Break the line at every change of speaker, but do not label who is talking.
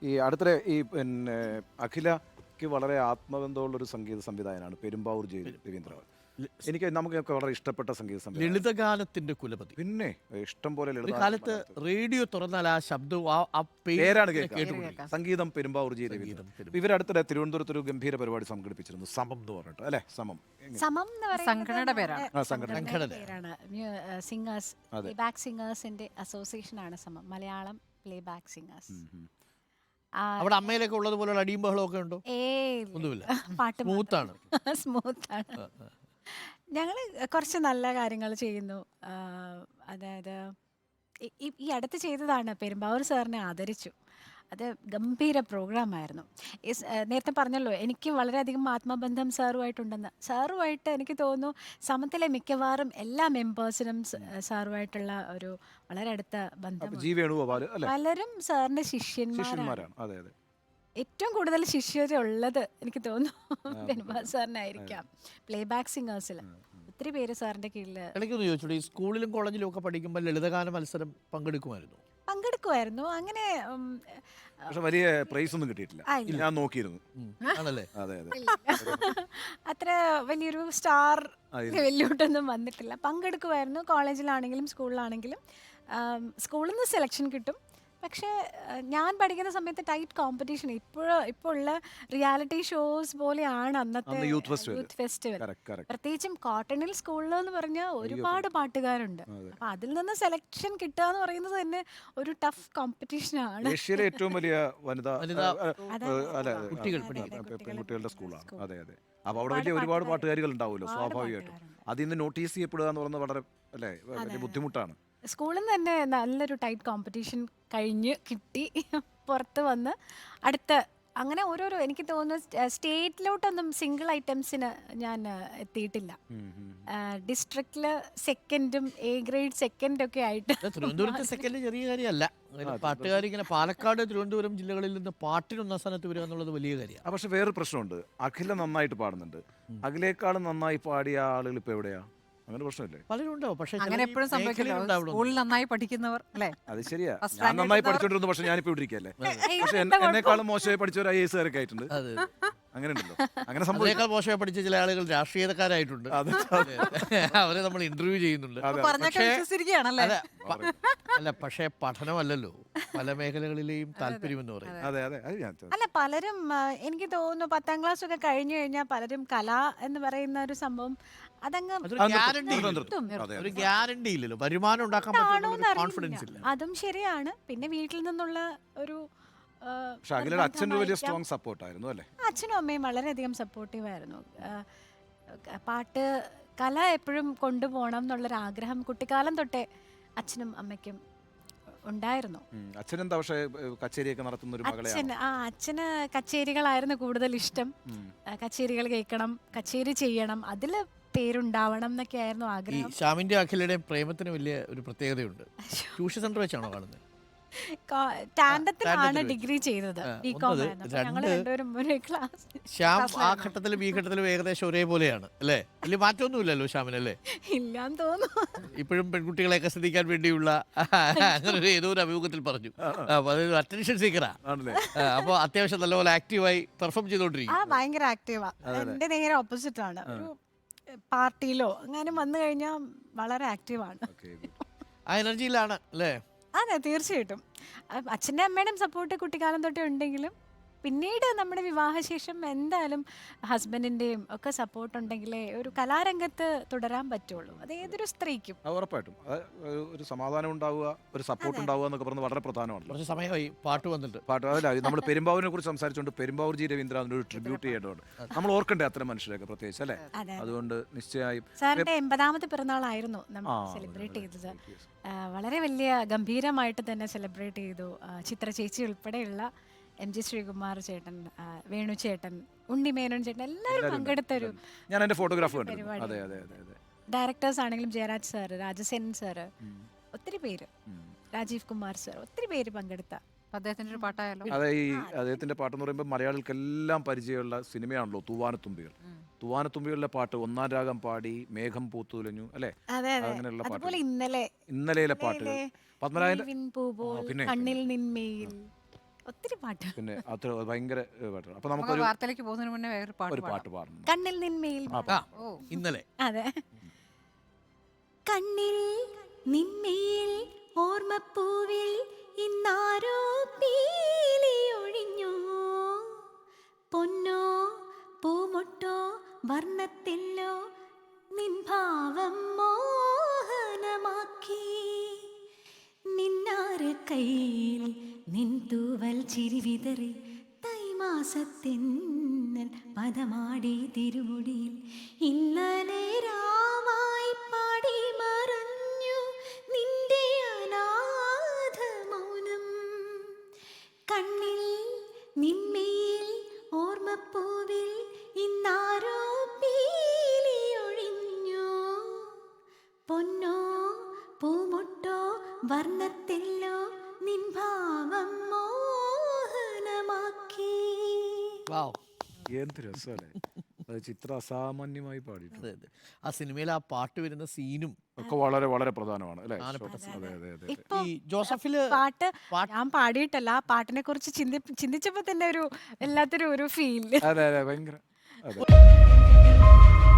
ഈ അടുത്തിടെ ഈ പിന്നെ അഖിലയ്ക്ക് വളരെ ആത്മബന്ധമുള്ളൊരു സംഗീത സംവിധായകനാണ് പെരുമ്പാവൂർ രവീന്ദ്രൻ. നമുക്കൊക്കെ വളരെ ഇഷ്ടപ്പെട്ട സംഗീത സംവിധായകൻ.
ലളിതഗാനത്തിന്റെ കുലപതി.
പിന്നെ ഇഷ്ടം പോലെ
ഒരു കാലത്ത് റേഡിയോ തുറന്നാൽ ആ ശബ്ദവും ആ
പേരാണ്
കേട്ടുകൊണ്ടിരിക്കും.
കേൾക്കുക. സംഗീതം പെരുമ്പാവൂർ രവീന്ദ്രൻ. ഇവരടുത്തിടെ തിരുവനന്തപുരത്ത് ഒരു ഗംഭീര പരിപാടി സംഘടിപ്പിച്ചിരുന്നു, സമം എന്ന് പറഞ്ഞിട്ട് അല്ലെ? സമം
എന്ന് പറയുന്നത്
സംഘടനയുടെ പേരാണ്.
സംഘടനയുടെ പേരാണ്. സിംഗേഴ്സ്, പ്ലേബാക്ക് സിംഗേഴ്സിന്റെ അസോസിയേഷൻ ആണ് സമം, മലയാളം പ്ലേബാക്ക് സിംഗേഴ്സ്.
അവിടെ അമ്മയിലൊക്കെ ഉള്ളതുപോലെ അടിയും ബഹളവും ഒക്കെ ഉണ്ടോ? ഒന്നുമില്ല,
പാട്ട്
സ്മൂത്താണ്.
സ്മൂത്താണ്. ഞങ്ങൾ കുറച്ച് നല്ല കാര്യങ്ങൾ ചെയ്യുന്നു. അതായത് ഈ അടുത്ത് ചെയ്തതാണ്, പെരുമ്പാവൂർ സാറിനെ ആദരിച്ചു. അത് ഗംഭീര പ്രോഗ്രാമായിരുന്നു. നേരത്തെ പറഞ്ഞല്ലോ, എനിക്ക് വളരെയധികം ആത്മബന്ധം സാറുമായിട്ടുണ്ടെന്ന്. സാറുമായിട്ട് എനിക്ക് തോന്നുന്നു സമത്തിലെ മിക്കവാറും എല്ലാ മെമ്പേഴ്സിനും സാറുമായിട്ടുള്ള ഒരു വളരെ അടുത്ത ബന്ധം. പലരും സാറിന്റെ ശിഷ്യന്മാരാണ്. ഏറ്റവും കൂടുതൽ ശിഷ്യരുള്ളത് എനിക്ക് തോന്നുന്നു പെരുമ്പാവൂർ സാറിനായിരിക്കാം. പ്ലേബാക്ക് സിംഗേഴ്സിൽ ഒത്തിരി പേര് സാറിന്റെ കീഴിൽ.
എനിക്കൊന്ന് ചോദിച്ചോളൂ, ഈ സ്കൂളിലും കോളേജിലും ഒക്കെ പഠിക്കുമ്പോൾ ലളിതഗാന മത്സരം പങ്കെടുക്കുമായിരുന്നു?
അങ്ങനെ
വലിയ പ്രൈസ് ഒന്നും കിട്ടിയിട്ടില്ല. ഞാൻ നോക്കിയിരുന്നു.
ആണല്ലേ?
അതെ അതെ.
അത്ര വലിയൊരു സ്റ്റാർ ലെവലിലോട്ടൊന്നും വന്നിട്ടില്ല. പങ്കെടുക്കുമായിരുന്നു, കോളേജിലാണെങ്കിലും സ്കൂളിലാണെങ്കിലും. സ്കൂളിൽ നിന്ന് സെലക്ഷൻ കിട്ടും. പക്ഷേ ഞാൻ പഠിക്കുന്ന സമയത്ത് ടൈറ്റ് കോമ്പറ്റീഷൻ. ഇപ്പോൾ ഉള്ള റിയാലിറ്റി ഷോസ് പോലെയാണ് അന്നത്തെ യൂത്ത് ഫെസ്റ്റിവൽ. പ്രത്യേകിച്ചും കോട്ടണിൽ സ്കൂളിൽ എന്ന് പറഞ്ഞാൽ ഒരുപാട് പാട്ടുകാരുണ്ട്. അപ്പൊ അതിൽ നിന്ന് സെലക്ഷൻ കിട്ടുക എന്ന് പറയുന്നത് തന്നെ ഒരു ടഫ് കോമ്പറ്റീഷനാണ്.
ഏഷ്യയിലെ ഏറ്റവും വലിയ പെൺകുട്ടികളുടെ സ്കൂളാണ്. അതെ അതെ. അപ്പൊ അവിടെ വലിയ ഒരുപാട് പാട്ടുകാരികൾ ഉണ്ടാവുമല്ലോ, സ്വാഭാവികമായിട്ടും. അതിൽ നിന്ന് നോട്ടീസ് ചെയ്യപ്പെടുക എന്ന് പറയുന്നത് വളരെ വലിയ ബുദ്ധിമുട്ടാണ്.
സ്കൂളിൽ നിന്ന് തന്നെ നല്ലൊരു ടൈറ്റ് കോമ്പറ്റീഷൻ കഴിഞ്ഞ് കിട്ടി. പുറത്ത് വന്ന് അടുത്ത അങ്ങനെ ഓരോരോ, എനിക്ക് തോന്നുന്നു സ്റ്റേറ്റിലോട്ടൊന്നും സിംഗിൾ ഐറ്റംസിന് ഞാൻ എത്തിയിട്ടില്ല. ഡിസ്ട്രിക്റ്റില് സെക്കൻഡും എ ഗ്രേഡ് സെക്കൻഡ് ഒക്കെ ആയിട്ട്.
തിരുവനന്തപുരത്ത് സെക്കൻഡ് ചെറിയ കാര്യമല്ല. പാട്ടുകാർ ഇങ്ങനെ പാലക്കാട്, തിരുവനന്തപുരം ജില്ലകളിൽ നിന്ന് പാട്ടിന് ഒന്നാം സ്ഥാനത്ത് വരിക എന്നുള്ളത് വലിയ കാര്യമാണ്.
പക്ഷെ വേറൊരു പ്രശ്നമുണ്ട്, അഖില നന്നായിട്ട് പാടുന്നുണ്ട്. അഖിലേക്കാളും നന്നായി പാടിയ ആളുകൾ ഇപ്പൊ എവിടെയാ? അങ്ങനെ പ്രശ്നമില്ലേ?
പലരും ഉണ്ടാവും. പക്ഷെ
അങ്ങനെ എപ്പോഴും സംഭവിക്കില്ല. സ്കൂളിൽ നന്നായി പഠിക്കുന്നവർ അല്ലേ?
അത് ശരിയാ. ഞാൻ നന്നായി പഠിച്ചോണ്ടിരുന്നു, പക്ഷെ ഞാനിപ്പോ ഇവിടെ ഇരിക്കല്ലേ. പക്ഷെ എന്നെക്കാളും മോശമായി പഠിച്ചവർ IAS കാരൊക്കെ ആയിട്ടുണ്ട്. അങ്ങനെ ഉണ്ടല്ലോ. അങ്ങനെ
സംഭവിക്കാൻ മോശമായി പഠിച്ച ചില ആളുകൾ രാഷ്ട്രീയക്കാരായിട്ടുണ്ട്. അവരെ നമ്മൾ ഇന്റർവ്യൂ ചെയ്യുന്നുണ്ട്. അല്ല, പക്ഷേ പഠനമല്ലല്ലോ പല മേഖലകളിലെയും താല്പര്യം എന്ന് പറയുന്നത്.
അല്ല, പലരും എനിക്ക് തോന്നുന്നു 10ാം ക്ലാസ് ഒക്കെ കഴിഞ്ഞു കഴിഞ്ഞാൽ പലരും കല എന്ന് പറയുന്ന ഒരു സംഭവം അതങ്ങ്
ഒരു ഗ്യാരണ്ടി ഇല്ലല്ലോ, വരുമാനം ഉണ്ടാക്കാൻ പറ്റുന്ന കോൺഫിഡൻസ് ഇല്ല.
അതും ശരിയാണ്. പിന്നെ വീട്ടിൽ നിന്നുള്ള ഒരു അച്ഛനും അമ്മയും വളരെയധികം സപ്പോർട്ടീവ് ആയിരുന്നു. പാട്ട് കല എപ്പോഴും കൊണ്ടുപോകണം എന്നുള്ളൊരു ആഗ്രഹം കുട്ടിക്കാലം തൊട്ടേ അച്ഛനും അമ്മയ്ക്കും ഉണ്ടായിരുന്നു. അച്ഛന് കച്ചേരികളായിരുന്നു കൂടുതൽ ഇഷ്ടം. കച്ചേരികൾ കേൾക്കണം, കച്ചേരി ചെയ്യണം, അതിൽ പേരുണ്ടാവണം എന്നൊക്കെ ആയിരുന്നു ആഗ്രഹം.
ശ്യാമിന്റെ അഖിലയുടെയും പ്രേമത്തിന് വലിയ ഒരു പ്രത്യേകതയുണ്ട്. ട്യൂഷൻ സെന്റർ വെച്ചാണോ കാണുന്നത്?
ടാൻഡത്തിലാണ് ഡിഗ്രി ചെയ്തത്.
ശ്യാം ആ ഘട്ടത്തിലും ഈ ഘട്ടത്തിലും ഏകദേശം ഒരേപോലെയാണ് അല്ലേ? വലിയ മാറ്റമൊന്നുമില്ലല്ലോ ശ്യാമിനല്ലേ?
ഇല്ലാന്ന് തോന്നുന്നു.
ഇപ്പോഴും പെൺകുട്ടികളെയൊക്കെ ശ്രദ്ധിക്കാൻ വേണ്ടിയുള്ള അങ്ങനെ ഏതോ ഒരു അഭിമുഖത്തിൽ പറഞ്ഞു. അതൊരു അറ്റൻഷൻ സീക്കറാ. അപ്പൊ അത്യാവശ്യം നല്ലപോലെ ആക്റ്റീവായി പെർഫോം ചെയ്തോണ്ടിരിക്കും.
ഭയങ്കര ആക്റ്റീവാ. എന്റെ നേരെ ഓപ്പോസിറ്റ് ആണ്. ഒരു പാർട്ടിയിലോ അങ്ങനെ വന്നു കഴിഞ്ഞാൽ വളരെ ആക്റ്റീവാണ്.
ആ എനർജിയിലാണ് അല്ലേ?
അതെ, തീർച്ചയായിട്ടും. അച്ഛൻ്റെ അമ്മയുടെയും സപ്പോർട്ട് കുട്ടിക്കാലം തൊട്ടേ ഉണ്ടെങ്കിലും പിന്നീട് നമ്മുടെ വിവാഹശേഷം എന്തായാലും ഹസ്ബൻഡിൻ്റെയും ഒക്കെ സപ്പോർട്ട് ഉണ്ടെങ്കിലേ ഒരു കലാരംഗത്ത് തുടരാൻ പറ്റുള്ളൂ. അത് ഏതൊരു സ്ത്രീക്കും.
ഉറപ്പായിട്ടും ഒരു സമാധാനം ഉണ്ടാവുക, ഒരു സപ്പോർട്ട് ഉണ്ടാവുക എന്നൊക്കെ പറഞ്ഞത് വളരെ പ്രധാനമാണ്.
കുറച്ച് സമയമായി പാട്ട് വന്നിട്ട്.
അതല്ല, നമ്മൾ പെരുമ്പാവൂരിനെ കുറിച്ച് സംസാരിച്ചുകൊണ്ട് പെരുമ്പാവൂർ രവീന്ദ്രൻ അതിനൊരു ട്രിബ്യൂട്ട് ചെയ്യേണ്ടതുണ്ട്. നമ്മൾ ഓർക്കണ്ടേ അത്തരം മനുഷ്യരൊക്കെ പ്രത്യേകിച്ച് അല്ലേ? അതുകൊണ്ട് നിശ്ചയമായും
സാറിന്റെ 80ാമത്തെ പിറന്നാളായിരുന്നു നമ്മൾ സെലിബ്രേറ്റ് ചെയ്തത്. വളരെ വലിയ ഗംഭീരമായിട്ട് തന്നെ സെലിബ്രേറ്റ് ചെയ്തു. ചിത്ര ചേച്ചി ഉൾപ്പെടെയുള്ള MG ശ്രീകുമാർ ചേട്ടൻ, വേണു ചേട്ടൻ, ഉണ്ണിമേനോൻ ചേട്ടൻ എല്ലാവരും പങ്കെടുത്തൊരു പരിപാടി. ഡയറക്ടേഴ്സ് ആണെങ്കിലും ജയരാജ് സാറ്, രാജസേൻ സാറ്, ഒത്തിരി പേര്, രാജീവ് കുമാർ സാർ, ഒത്തിരി പേര് പങ്കെടുത്ത
അദ്ദേഹത്തിന്റെ ഒരു പാട്ടായാലോ?
അതെ, ഈ അദ്ദേഹത്തിന്റെ പാട്ടെന്ന് പറയുമ്പോൾ മലയാളികൾക്കെല്ലാം പരിചയമുള്ള സിനിമയാണല്ലോ തൂവാനത്തുമ്പികൾ. തൂവാനത്തുമ്പികളിലെ പാട്ട് ഒന്നാം രാഗം പാടി മേഘം പൂത്തുലഞ്ഞു അല്ലെ? അങ്ങനെയുള്ള പാട്ട്, ഇന്നലെയിലെ പാട്ടുകൾ, പത്മനാഭൻ,
കണ്ണിൽ നിന്മയിൽ ഒത്തിരി പാട്ട്.
പിന്നെ അത് ഭയങ്കര പാട്ടാണ്. അപ്പൊ
നമുക്ക്
നമുക്കൊരു
വാർത്തയിലേക്ക് പോകുന്നതിന് മുന്നേ വേറൊരു പാട്ട്
ഒരു
പാടാം.
പാട്ട് പാടണം.
കണ്ണിൽ നിന്മേൽ.
ആ
ഓ
ഇന്നലെ
അതെ. കണ്ണിൽ നിന്മേൽ ഓർമ്മപ്പൂവിൽ ഇന്നാരോ പീലി ഒഴിഞ്ഞു. പൊന്നോ പൂമൊട്ടോ വർണ്ണത്തില്ലോ നിൻ ഭാവം മോഹനമാക്കി. നിന്നാര കയ്യിൽ നിൻ തൂവൽ ചിരി വിതറി തൈമാസത്തിന്നൽ പദമാടി തിരുമുടിയിൽ. ഇന്നലെ രാവായി പാടി മറഞ്ഞു നിന്റെ അനാഥ മൗനം. കണ്ണിൽ നിന്മേൽ ഓർമ്മപ്പൂവിൽ ഇന്നാരോ പീലി ഒഴിഞ്ഞു. പൊന്നോ പൂമൊട്ടോ വർണ്ണത്തില്ലോ നിൻ ഭാവം മോഹനമാക്കി.
വാവ്.
എന്ത് രസമല്ലേ അത്. ചിത്ര അസാമാന്യമായി പാടിയിട്ടുണ്ട്.
അതെ അതെ. ആ സിനിമയിൽ ആ പാട്ട് വരുന്ന സീനും
ഒക്കെ വളരെ വളരെ പ്രധാനമാണ് അല്ലേ?
പ്രധാനപ്പെട്ട
അതെ അതെ അതെ.
ഇപ്പൊ
ഈ ജോസഫില്
പാട്ട്
പാട്ട്
ഞാൻ പാടിയിട്ടല്ല, ആ പാട്ടിനെ കുറിച്ച് ചിന്തിച്ചപ്പോ തന്നെ ഒരു എല്ലാത്തൊരു ഒരു ഫീൽ.
അതെ അതെ ഭയങ്കര അതെ.